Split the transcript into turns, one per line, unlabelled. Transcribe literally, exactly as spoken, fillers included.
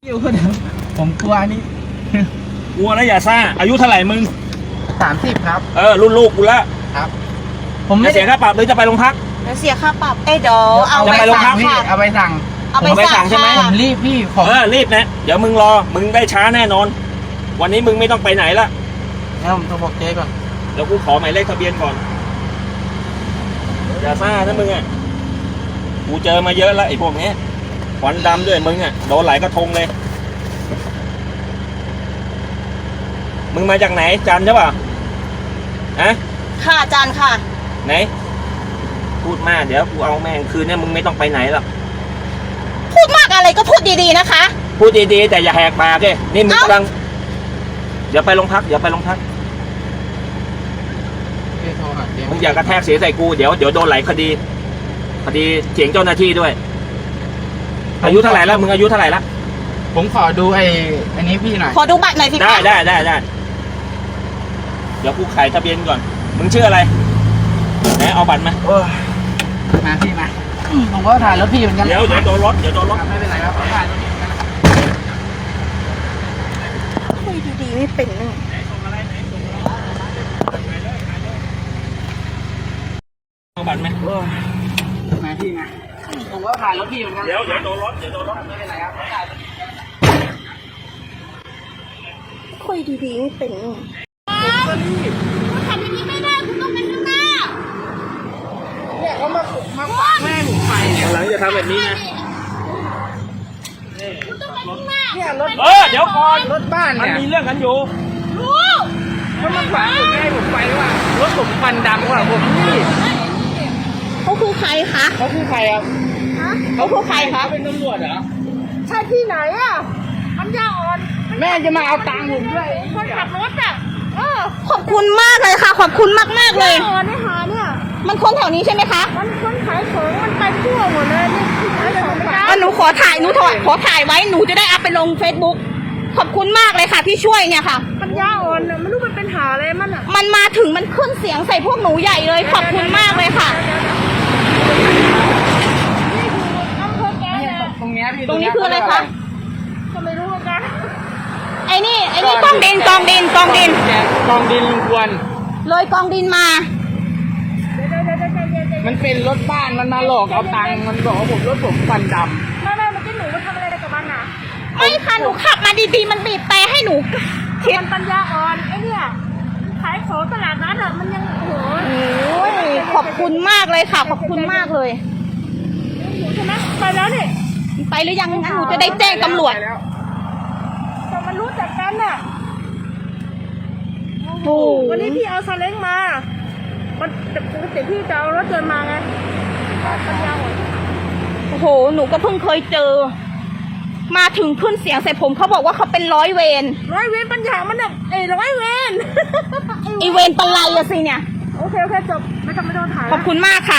อยู่คนเดียวผมกลัวนี่
กลัวแล้วอย่าซ่าอายุเท่าไหร่มึง
สามสิบครับ
เออรุ่นลูกกูละ
ครับ ผม
จะ
ไม่
เสียค่าปรับหรือจะไปโรงพัก
แล้วเสียค่าปรับเอ้ยเดี๋ยวเอา
จะ
ไป
ไปโรงพั
สั่
ก
ง
พี่
ค่ะ
เอาไปสั่ง
เอาไป
ผมไปสั่
สั่ง
งใช่ไหม
ผ
ค่ะ
มรีบพี่ผม
เออรีบนะเดี๋ยวมึงรอมึงได้ช้าแน่นอน วันนี้มึงไม่ต้องไปไหนละ
งั้นผมโทรบอกเจ๊ก่อน
เดี๋ยวกูขอหมายเลขทะเบียนก่อนอย่าซ่านะมึงอ่ะกูเจอมาเยอะแล้วไอ้พวกนี้ควันดำด้วยมึงอ่ะโดนหลายกระทงเลยมึงมาจากไหนจันทร์ใช่ป่ะฮะ
ค่ะอาจารย์ค่ะ
ไหนพูดมากเดี๋ยวกูเอาแม่งคืนเนี่ยมึงไม่ต้องไปไหนหรอก
พูดมากอะไรก็พูดดีๆนะคะ
พูดดีๆแต่อย่าแหกปากเลยนี่มึง
เอ้า
กำลังเดี๋ยวไปโรงพักเดี๋ยวไปโรงพัก
พี่โทรหาเจ๊
มึงอย่ากระแทกเสียใส่กูเดี๋ยวเดี๋ยวโดนหลายคดีคดีเสียงเจ้าหน้าที่ด้วย อายุเท่าไหร่แล้วมึงอายุเท่าไหร่ละ
ผมขอดูไอ้อันนี้พี่หน่อย
ขอดูบัตรหน่อยสิ
ได้
คะ
ได้ได้ได้เดี๋ยวกูขายทะเบียนก่อน มึงชื่ออะไรไหนเอาบัตรมา
โอ้ยมาพี่มาอืมผมก็ถ่ายรถพี่เหมือนกัน
เดี๋ยวเดี๋ยวโดนรถเดี๋ยวโดนรถ
ไม่เป็นไรครับผมถ่ายรถพี่เหมือนกัน
คุยดีๆไม่เป็นเลย
เอาบัตรไหม
โอ้ยมาพี่มาผมก็ถ่ายรถพี่เหมือนกัน
เดี๋ยวเดี๋ยวโดนรถเดี๋ยวโดนรถ
ไม่เป็นไรครับผมถ่ายรถพี่เหมือนกัน
คุยดีๆไม่เป็นเลย
ผมก็รีบ
ทำอย่างนี้ไม่ได้คุณต้องไปข้างหน้า
เนี่ยเขามามาขวางแม่ผมไปเนี่ย
หลังจะทำแบบนี้นะ
เนี่ยรถ
เออเดี๋ยวก่อน
รถบ้าน
มัน
เนี่ย
มีเรื่องกันอยู่
รู้
เขามาขวางผมแม่ผมไปว่ารถผมควันดำกว่าผมนี่
เขาคือใครคะ
เขาคือใครครับ
เขาคือใครคะ
เขาเป็นตำรวจเหรอ
ใช่ที่ไหนอ่ะมันยาอ่อน
แม่จะมาเอาตังค์ผมด้วย
คนขับรถอ่ะเออขอบคุณมากเลยค่ะ ขอบคุณมากมากๆเลย
อ่อนได้หาเนี่ย
มันคนแถวนี้ใช่ไหมคะ
มันคนขายของมันไปทั่วหมดเลยนี่ขายของไม่ได้
อ่ะหนูขอถ่ายหนูถอดขอถ่ายไว้หนูจะได้อัพไปลง Facebook ขอบคุณมากเลยค่ะที่ช่วยเนี่ยค่ะ
ปัญญาอ่อนเนี่ยไม่รู้มันเป็นหาอะไรมันอ่ะ
มันมาถึงมันขึ้นเสียงใส่พวกหนูใหญ่เลย ขอบคุณมากเลยค่ะ
นี่คืออำเภอแกเนี่ย
ตรงเนี้ยพี่
ตรงนี้คืออะไรคะ
ก็ไม่รู้เหมือนกัน
ไอ้นี่ไอ้นี่กองดินกองดินกองดิน
กองดินลุงควร
เลยกองดินมา
เดี๋ยวเดี๋ยวเดี๋ยวเดี๋ยวเดี๋ยวเดี๋ยว
มันเป็นรถบ้านมันมาหลอกเอาตังค์มันบอกว่าผมรถผมควันด
ไม่ไม่เมื่อกี้หนูมาทำอะไรกับมันอ่ะ
ไม่ค่ะหนูขับมาดีๆมันบีบแต่ให้หนูคิด
มันปัญญาอ่อนไอ้เนี่ยขายของตลาดนัดอ่ะมันยังโอ้โห
โอ้ยขอบคุณมากเลยค่ะ ขอบคุณมากเลย
อยู่ใช่ไหมไปแล้วนี่
ไปหรือยังงั้นหนูจะได้แจ้ง
ำ
ตำรวจ
ไปแล้ว
แต่มันรู้จักกันอ่ะ
โอ้โห
วันนี้พี่เอาซาเล้งมามันแต่ปกติพี่จะเอารถยนต์มาไงปัญญาอ่อน
โอ้โหหนูก็เพิ่งเคยเจอ มาถึงขึ้นเสียงใส่ผมเขาบอกว่าเขาเป็นร้อยเวร
ร้อยเวรปัญญามันเนี่ยไอ้ร้อยเวร
ไอเวรปะไลอะสิเนี่ย
โอเคโอเคจบไม่ต้องไม่ต้องถ่าย
ขอบคุณมากค่ะ